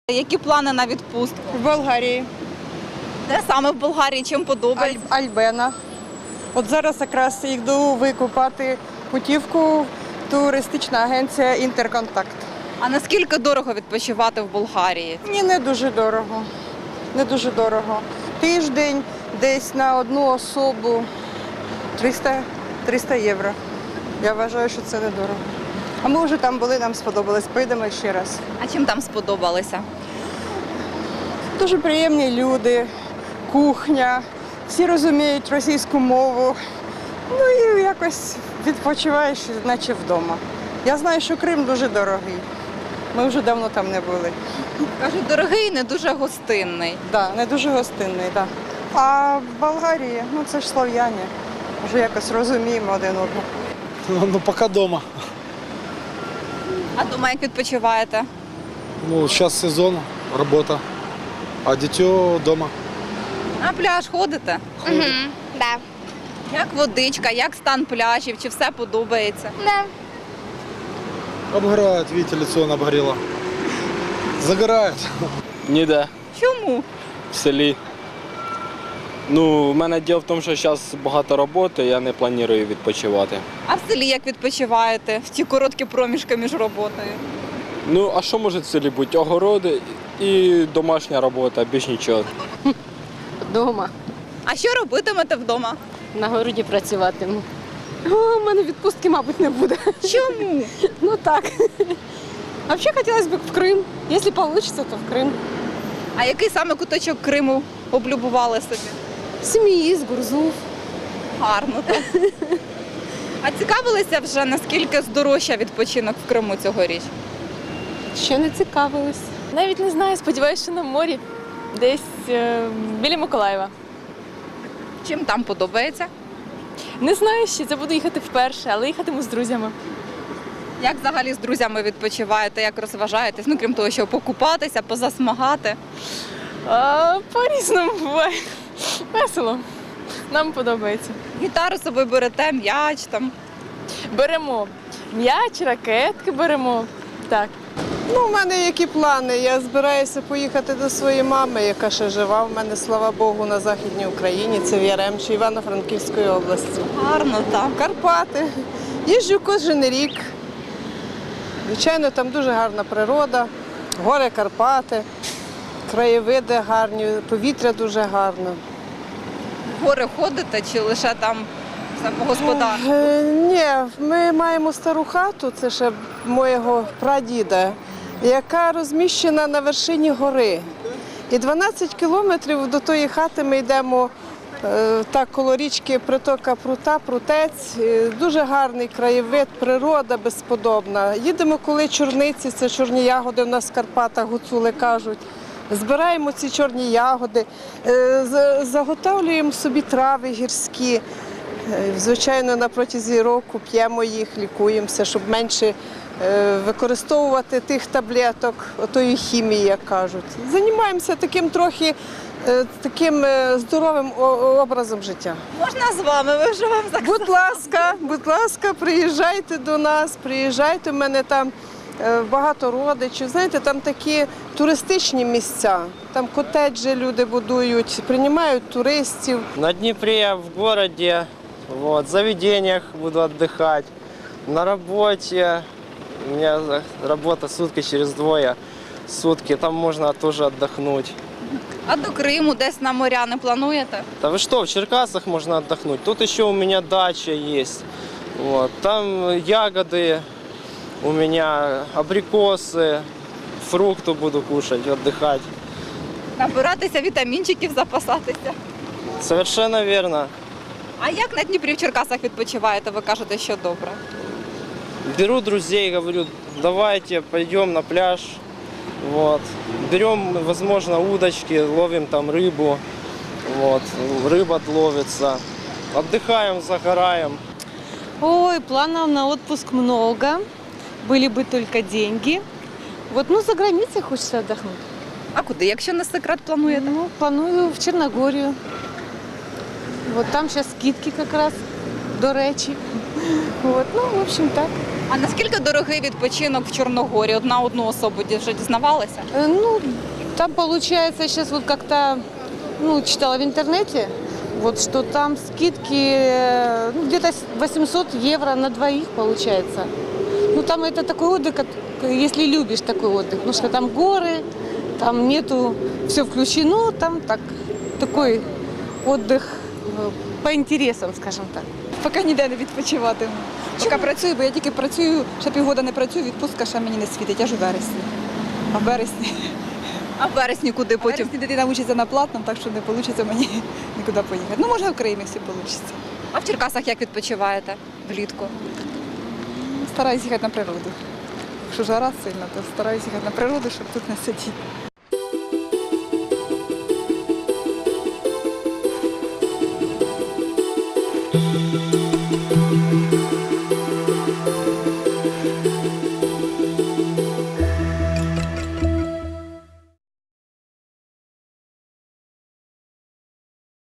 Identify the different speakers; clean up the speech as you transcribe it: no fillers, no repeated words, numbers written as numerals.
Speaker 1: Які плани на відпустку?
Speaker 2: В Болгарії.
Speaker 1: Де саме в Болгарії? Чим подобається?
Speaker 2: Альбена. От зараз якраз йду викупати путівку туристична агенція «Інтерконтакт».
Speaker 1: А наскільки дорого відпочивати в Болгарії?
Speaker 2: Ні, не дуже дорого. Не дуже дорого. Тиждень десь на одну особу 300 євро. Я вважаю, що це недорого. А ми вже там були, нам сподобалось. Поїдемо ще раз.
Speaker 1: А чим там сподобалося?
Speaker 2: Дуже приємні люди, кухня, всі розуміють російську мову. Ну і якось відпочиваєш, наче вдома. Я знаю, що Крим дуже дорогий. Ми вже давно там не були.
Speaker 1: Кажуть, дорогий, не дуже гостинний.
Speaker 2: Так, не дуже гостинний, так. А в Болгарії, ну це ж слов'яни, вже якось розуміємо один одного.
Speaker 3: Ну, пока дома.
Speaker 1: А дома як відпочиваєте?
Speaker 3: Ну, сейчас сезон, работа, а дитё дома.
Speaker 1: На пляж ходите?
Speaker 4: Да.
Speaker 1: Як водичка, як стан пляжів, чи все подобається?
Speaker 4: Да.
Speaker 3: Обгорает, видите, лицо он обгорело. Загорает.
Speaker 5: Ніде,
Speaker 1: Чому?
Speaker 5: в селі. Ну, в мене діло в тому, що зараз багато роботи, я не планую відпочивати.
Speaker 1: А в селі як відпочиваєте в ті короткі проміжки між роботою?
Speaker 5: Ну, а що може в селі бути? Огороди і домашня робота, більш нічого.
Speaker 6: Дома.
Speaker 1: А що робитимете вдома?
Speaker 6: На городі працюватиму. О, у мене відпустки, мабуть, не буде.
Speaker 1: Чому?
Speaker 6: Ну так. А взагалі хотілося б в Крим. Якщо вийде, то в Крим.
Speaker 1: А який саме куточок Криму облюбували собі?
Speaker 6: Сім'ї, Гурзуф.
Speaker 1: Гарно так. А цікавилися вже, наскільки здорожчав відпочинок в Криму цьогоріч?
Speaker 6: Ще не цікавились.
Speaker 7: Навіть не знаю, сподіваюся, що на морі, десь біля Миколаєва.
Speaker 1: Чим там подобається?
Speaker 7: Не знаю ще, це буду їхати вперше, але їхатиму з друзями.
Speaker 1: Як взагалі з друзями відпочиваєте, як розважаєтесь? Ну, крім того, що покупатися, позасмагати.
Speaker 7: По-різному буває. Весело. Нам подобається.
Speaker 1: Гітару з собою берете, м'яч там.
Speaker 7: Беремо м'яч, ракетки беремо. Так.
Speaker 2: Ну, у мене які плани? Я збираюся поїхати до своєї мами, яка ще жива. У мене, слава Богу, на Західній Україні. Це в Яремчі, Івано-Франківської області.
Speaker 1: Гарно, так.
Speaker 2: Карпати. Їжджу кожен рік. Звичайно, там дуже гарна природа, гори Карпати, краєвиди гарні, повітря дуже гарне.
Speaker 1: В гори ходите чи лише там все по господарству?
Speaker 2: Ні, ми маємо стару хату, це ще моєго прадіда, яка розміщена на вершині гори. І 12 кілометрів до тої хати ми йдемо так коло річки притока Прута, Прутець. Дуже гарний краєвид, природа безподобна. Їдемо, коли чорниці, це чорні ягоди в нас в Карпатах, гуцули кажуть. Збираємо ці чорні ягоди, заготовлюємо собі трави гірські. Звичайно, на протязі року п'ємо їх, лікуємося, щоб менше використовувати тих таблеток, отої хімії, як кажуть. Займаємося таким трохи таким здоровим образом життя.
Speaker 1: Можна з вами? Ви вже вам
Speaker 2: Будь ласка, приїжджайте до нас, приїжджайте, у мене там багато родичів. Знаєте, там такі туристичні місця, там котеджі люди будують, приймають туристів.
Speaker 8: На Днепре, в городе, вот, в заведениях буду отдыхать. На работе, у меня работа сутки через двое сутки, там можно тоже отдохнуть.
Speaker 1: А до Криму десь на моря не плануєте?
Speaker 8: Да вы что, в Черкасах можно отдохнуть. Тут еще у меня дача есть. Вот, там ягоды у меня, абрикосы, фрукты буду кушать, отдыхать.
Speaker 1: Набиратися вітамінчиків, запасатися.
Speaker 8: Совершенно верно.
Speaker 1: А як на Дніпрі в Черкасах відпочиваєте? Ви кажете, що добре.
Speaker 8: Беру друзей, говорю, давайте пойдем на пляж. Вот. Берем, возможно, удочки, ловим там рыбу. Вот. Рыба ловится. Отдыхаем, загораем.
Speaker 9: Ой, планов на отпуск много. Были бы только деньги. Вот, ну, за границей хочется отдохнуть.
Speaker 1: А куди, якщо не секрет, плануєте?
Speaker 9: Ну, планую в Черногорию. Вот там сейчас скидки как раз, до речи. Вот, ну, в общем, так.
Speaker 1: А наскільки дорогий відпочинок в Чорногорії? На одну особу вже дізнавалися?
Speaker 9: Ну, там получается сейчас вот как-то, ну, читала в интернете, вот что там скидки ну, где-то 800 евро на двоих получается. Ну, там это такой отдых, если любишь такой отдых, потому что там горы, там нету, все включено, там такой отдых по интересам, скажем так.
Speaker 6: Поки ніде не відпочиватиму. Поки працюю, бо я тільки працюю, ще півгода не працюю, відпустка ще мені не світить, аж у вересні. А в вересні,
Speaker 1: А в вересні куди потім?
Speaker 6: потім дитина вчиться на платному, так що не вийде мені нікуди поїхати. Ну, може, в Крим, якщо вийде.
Speaker 1: А в Черкасах як відпочиваєте влітку?
Speaker 6: Стараюсь їхати на природу. Якщо жара сильна, то стараюсь їхати на природу, щоб тут не сидіти.